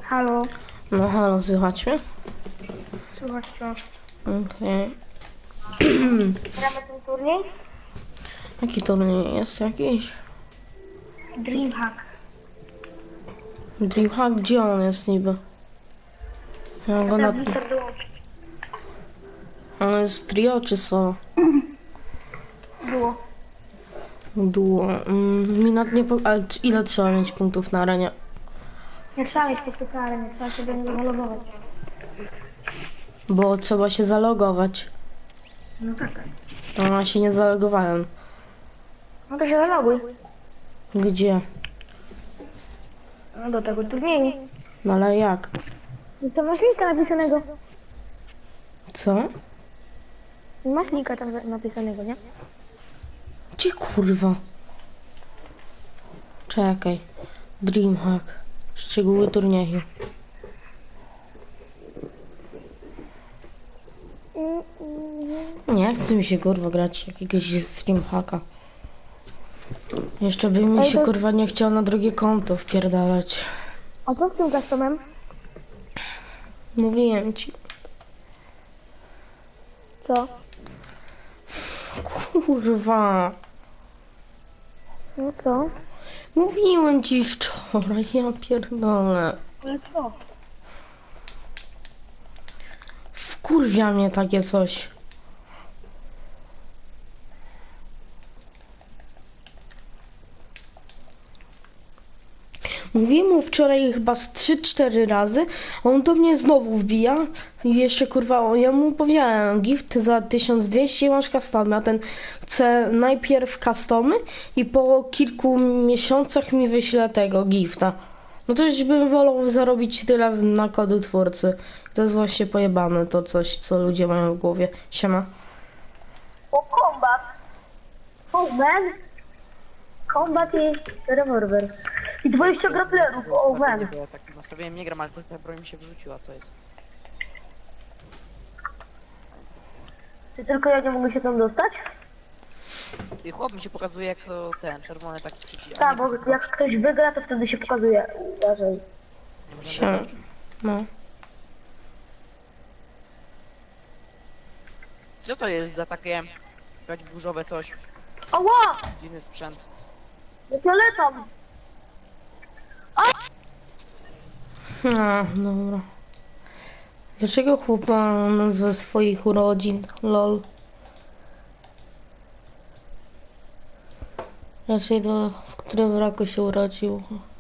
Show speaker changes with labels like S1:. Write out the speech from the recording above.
S1: Halo,
S2: No halo, słychać mnie?
S1: słuchaj wciąż.
S2: Okej.
S1: Gramy ten turniej?
S2: Jaki turniej jest jakiś?
S1: Dreamhack.
S2: Dreamhack? Gdzie on jest niby? Ja go na...
S1: Teraz Wiktor dołączy.
S2: On jest trio czy solo?
S1: Było.
S2: Duo. Minat nie po... Ale ile trzeba mieć punktów na arenie?
S1: Nie trzeba mieć po prostu arenie, trzeba się do niego zalogować.
S2: Bo trzeba się zalogować.
S1: No tak.
S2: A ja się nie zalogowałem.
S1: No to się zaloguj.
S2: Gdzie?
S1: No do tego turnieju.
S2: No ale jak?
S1: No to masz linka napisanego.
S2: Co?
S1: Masz linka tam napisanego, nie?
S2: Gdzie kurwa? Czekaj. Dreamhack. Szczegóły turnieju. Nie chce mi się kurwa grać jakiegoś Dreamhacka. Jeszcze by mi
S1: Ej,
S2: się
S1: to-
S2: kurwa nie chciał na drugie konto wpierdalać.
S1: A co z tym customem?
S2: Mówiłem ci.
S1: Co?
S2: Kurwa.
S1: No co?
S2: Mówiłem ci wczoraj, ja pierdolę.
S1: Ale co?
S2: Wkurwia mnie takie coś. Mówiłem mu wczoraj chyba z 3-4 razy, a on do mnie znowu wbija i jeszcze kurwa, ja mu powiedziałem, gift za 1200 masz customy, a ten chce najpierw customy i po kilku miesiącach mi wyśle tego gifta. No to już bym wolał zarobić tyle na kodu twórcy. To jest właśnie pojebane to coś, co ludzie mają w głowie. Siema.
S1: O, combat. Oh man. Combat i rewolwer. I 20 grapplerów, oh man.
S3: Bo ja tak nastawiłem, nie gram, ale ta broń mi się wrzuciła, co jest?
S1: Czy tylko ja nie mogę się tam dostać?
S3: I chłop mi się pokazuje jak ten czerwony taki przycisk.
S1: Tak, bo jak ktoś wygra, to wtedy się pokazuje. Uważaj.
S2: Siema. No.
S3: Co to jest za takie jakaś burzowe coś?
S1: Ała!
S3: Dziwny sprzęt.
S1: Jak ja letam!
S2: A, dobra. Dlaczego chłopa nazwę swoich urodzin? Lol. Raczej w którym roku się urodził.